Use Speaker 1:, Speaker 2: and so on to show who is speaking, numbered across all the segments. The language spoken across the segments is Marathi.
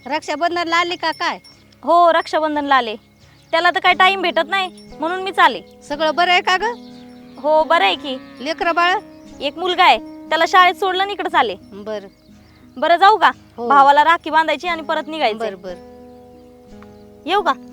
Speaker 1: रक्षाबंधनला आली का काय?
Speaker 2: हो रक्षाबंधनला आले. त्याला तर काही टाइम भेटत नाही म्हणून मी चाले.
Speaker 1: सगळं बरं आहे का ग?
Speaker 2: हो बरं आहे की.
Speaker 1: लेकरं बाळ?
Speaker 2: एक मुलगा आहे, त्याला शाळेत सोडलं आणि इकडे चाले.
Speaker 1: बर
Speaker 2: बरं जाऊ का?
Speaker 1: हो.
Speaker 2: भावाला राखी बांधायची आणि परत निघायचं.
Speaker 1: बर बर.
Speaker 2: येऊ का?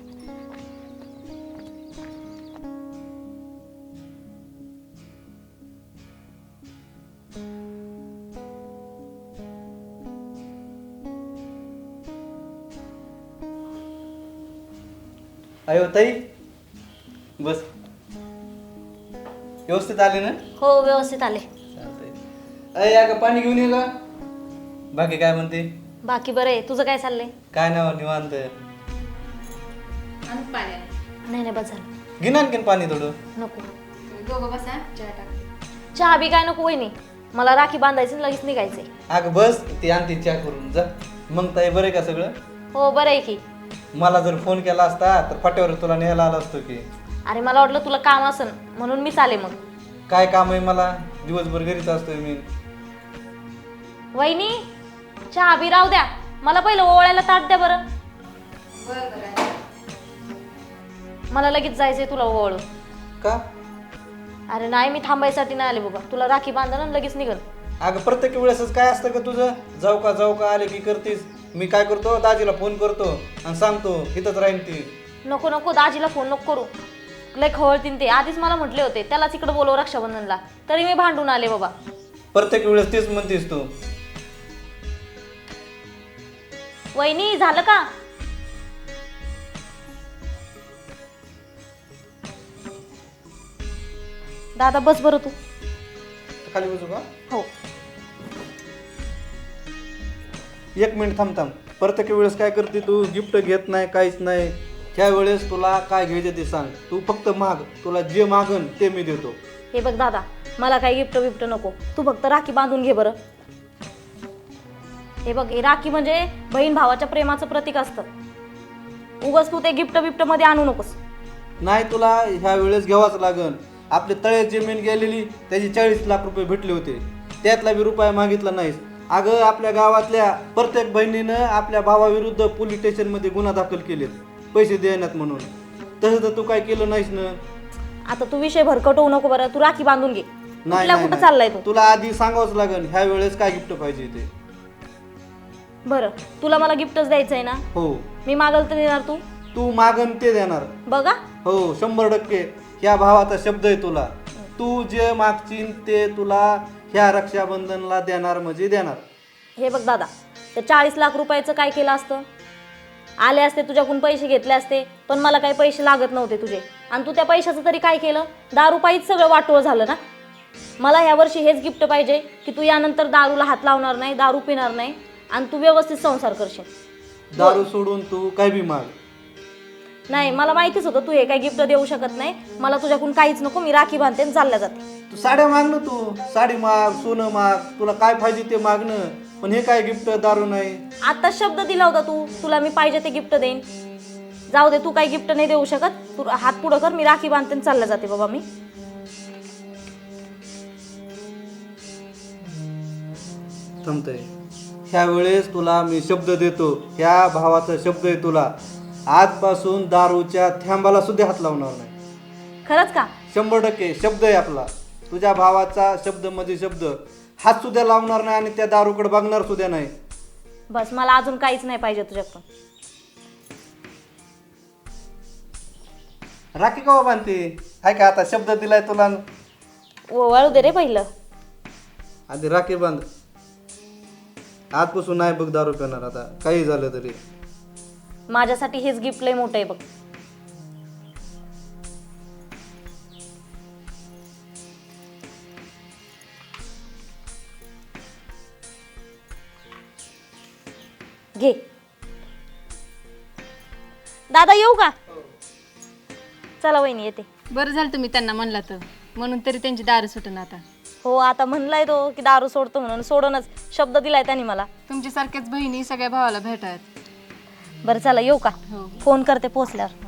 Speaker 3: अयो ताई बस. व्यवस्थित आले ना?
Speaker 2: हो व्यवस्थित आले.
Speaker 3: चालतंय. अय का पाणी घेऊन ये का? बाकी काय म्हणते?
Speaker 2: बाकी बरं आहे. तुझं काय चाललंय?
Speaker 3: काय नाव निवांत.
Speaker 2: नाही नाही बस झालं.
Speaker 3: घे ना आणखीन पाणी थोडं.
Speaker 2: नको. चहा बी काय नको वहिनी. मला राखी बांधायची आणि लगेच निघायचंय.
Speaker 3: अगं बस ती आणते चहा करून जा. मग ताई बरं आहे का सगळं?
Speaker 2: हो बरं आहे की.
Speaker 3: मला जर फोन केला असता तर फाट्यावर तुला न्यायला आला असतो की.
Speaker 2: अरे मला वाटलं तुला काम असन म्हणून मी चाले मग.
Speaker 3: काय काम आहे मला? दिवसभर घरीच असतोय मी.
Speaker 2: वहिनी चहा बी राहू द्या. मला पहिलं ओवाळायला ताट द्या बरं. मला लगेच जायचंय तुला ओवाळू.
Speaker 3: का?
Speaker 2: अरे नाही मी थांबायसाठी नाही आले बाबा. तुला राखी बांधणं आणि लगेच निघल.
Speaker 3: अगं प्रत्येक वेळेसच काय असतं का तुझं? जाऊ का आले की करतीस. मी काय करतो दाजीला फोन करतो आणि सांगतो इथंच राहीन ती.
Speaker 2: नको नको दाजीला फोन नको करू. लय खवळतीन ते. आधीच मला म्हटले होते त्यालाच इकडे बोलव रक्षाबंधनला. तरी मी भांडून आले बाबा.
Speaker 3: प्रत्येक वेळेस तेच म्हणतेस तू.
Speaker 2: वहिनी झालं का? दादा बस बरं तू.
Speaker 3: खाली बसू का?
Speaker 2: हो.
Speaker 3: एक मिनिट थांब. प्रत्येक वेळेस काय करते तू? गिफ्ट घेत नाही काहीच नाही. त्या वेळेस तुला काय घ्यायचं ते सांग. तू फक्त माग. तुला जे मागन ते मी देतो.
Speaker 2: हे बघ दादा मला काही गिफ्ट बिफ्ट नको. तू फक्त राखी बांधून घे बरं. हे बघ हे राखी म्हणजे बहीण भावाच्या प्रेमाचं प्रतीक असतं. उगाच तू ते गिफ्ट बिफ्ट मध्ये आणू नकोस.
Speaker 3: नाही तुला ह्या वेळेस घ्यावाच लागन. आपले तळे जमीन गेलेली त्याची 40 लाख रुपये भेटले होते. त्यातला बी रुपया मागितला नाहीस. अगं आपल्या गावातल्या प्रत्येक बहिणीनं आपल्या भावाविरुद्ध पोलीस स्टेशनमध्ये गुन्हा दाखल केलेत पैसे देण्यात म्हणून. तसं तर तू काय केलं नाहीस ना.
Speaker 2: आता तू विषय भरकट होऊ नको बरं. तू राखी बांधून घे.
Speaker 3: नाही
Speaker 2: कुठं चाललाय तू?
Speaker 3: तुला आधी सांगावंच लागेल ह्या वेळेस काय गिफ्ट पाहिजे ते.
Speaker 2: बरं तुला मला गिफ्टच द्यायचंय ना?
Speaker 3: हो.
Speaker 2: मी मागल तर देणार तू?
Speaker 3: तू मागन ते देणार.
Speaker 2: बघा.
Speaker 3: हो 100% ह्या भावाचा शब्द आहे तुला. तू जे मागशील ते तुला ह्या रक्षाबंधनला देणार म्हणजे देणार.
Speaker 2: हे बघ दादा ते 40 लाख रुपयाचं काय केलं असतं? आले असते तुझ्याकडून पैसे घेतले असते पण मला काही पैसे लागत नव्हते तुझे. आणि तू त्या पैशाचं तरी काय केलं? दारू पायीच सगळं वाटोळ झालं ना. मला ह्या वर्षी हेच गिफ्ट पाहिजे की तू यानंतर दारूला हात लावणार नाही, दारू पिणार नाही आणि तू व्यवस्थित संसार करशील.
Speaker 3: दारू सोडून तू काय बी माग.
Speaker 2: नाही मला माहितीच होतं तू हे काही गिफ्ट देऊ शकत नाही. मला तुझ्याकडून काहीच नको. मी राखी बांधते आणि चालल्या जाते.
Speaker 3: तू साड्या माग ना. तू साडी माग, सोनं माग, तुला काय पाहिजे ते मागणं. पण हे काय गिफ्ट? दारू नाही.
Speaker 2: आता शब्द दिला होता तू तुला मी पाहिजे ते गिफ्ट देईन. जाऊ दे तू काही गिफ्ट नाही देऊ शकत. तू हात पुढं कर. मी राखी बांधते आणि चालल्या जाते बाबा मी.
Speaker 3: थांबतंय. ह्या वेळेस तुला मी शब्द देतो. ह्या भावाचा शब्द आहे तुला. आजपासून दारूच्या थेंबाला सुद्धा हात लावणार नाही.
Speaker 2: खरंच का?
Speaker 3: 100% शब्द आहे आपला. तुझ्या भावाचा शब्द म्हणजे शब्द. हात सुद्धा लावणार नाही आणि त्या दारूकडे बघणार सुद्धा नाही.
Speaker 2: बस मला अजून काहीच नाही पाहिजे तुझ्याकडून.
Speaker 3: राखी का बांधते? हाय का आता शब्द दिलाय तुला.
Speaker 2: वळू दे रे पहिलं.
Speaker 3: आधी राखी बांध. आजपासून नाही बघ दारू पिणार आता काही झालं तरी.
Speaker 2: माझ्यासाठी हेच गिफ्ट लय मोठं आहे बघ. घे. दादा येऊ का? चला वहिनी येते.
Speaker 1: बरं झालं तुम्ही त्यांना म्हणला तर. म्हणून तरी त्यांची दारू सुटून आता.
Speaker 2: हो आता म्हणलाय तो की दारू सोडतो म्हणून. सोडूनच शब्द दिलाय त्यांनी मला.
Speaker 1: तुमच्यासारख्याच बहिणी सगळ्या भावाला भेटायत.
Speaker 2: बरं चला येऊ का?
Speaker 1: हो.
Speaker 2: फोन करते पोहोचल्यावर.